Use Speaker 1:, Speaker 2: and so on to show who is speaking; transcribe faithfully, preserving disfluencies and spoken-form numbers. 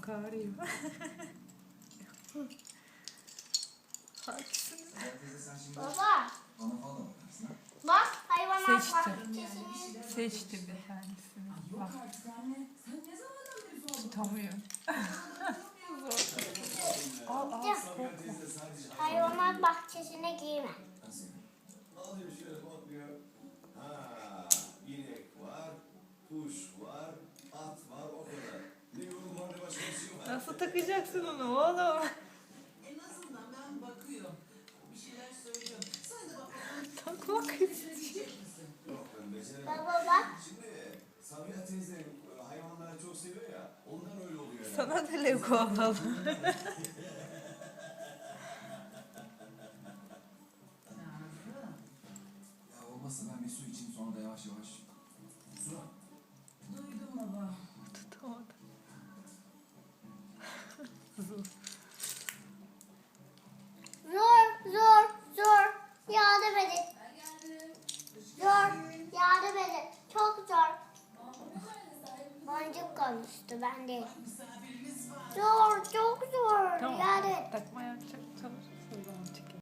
Speaker 1: Çok ağrıyor. Haklısınız.
Speaker 2: Baba.
Speaker 3: Bana falan da bakarsın ha.
Speaker 2: Bak hayvanat
Speaker 1: Seçtim.
Speaker 2: bahçesinin.
Speaker 1: Seçti bir tanesini.
Speaker 4: Yok
Speaker 1: Bak
Speaker 4: artık anne. Sen ne zamandan beri falan
Speaker 1: tutamıyorum. Al al.
Speaker 2: Gideceğim. Hayvanat bahçesine girme.
Speaker 3: Nasıl yani?
Speaker 5: Alıyor şöyle bakıyor. Ha, inek var, kuş var, at var, o kadar. Ne yorum var ne başka bir şey var.
Speaker 1: Nasıl takacaksın onu oğlum?
Speaker 4: En azından ben bakıyorum. Bir şeyler söylüyorum. Sen de bak bakalım.
Speaker 1: Takmak
Speaker 4: Becerebilecek misin?
Speaker 5: Yok ben beceremem.
Speaker 2: Baba bak.
Speaker 5: Şimdi Sabiha teyze e, hayvanları çok seviyor ya, ondan öyle oluyor yani.
Speaker 1: sana da Lego alalım.
Speaker 4: Nazlı.
Speaker 3: Ya olmazsa ben bir su içeyim sonra da yavaş yavaş. Su.
Speaker 4: Duydum baba.
Speaker 1: Tutamadım. Zor.
Speaker 2: Zor zor zor. Yardım edin. Zor. Yardım edin. Çok zor. Boncuk konuştu ben değil.
Speaker 4: Misafirimiz var.
Speaker 2: Zor çok zor.
Speaker 1: Tamam.
Speaker 2: Yardım edin.
Speaker 1: Takma yapacak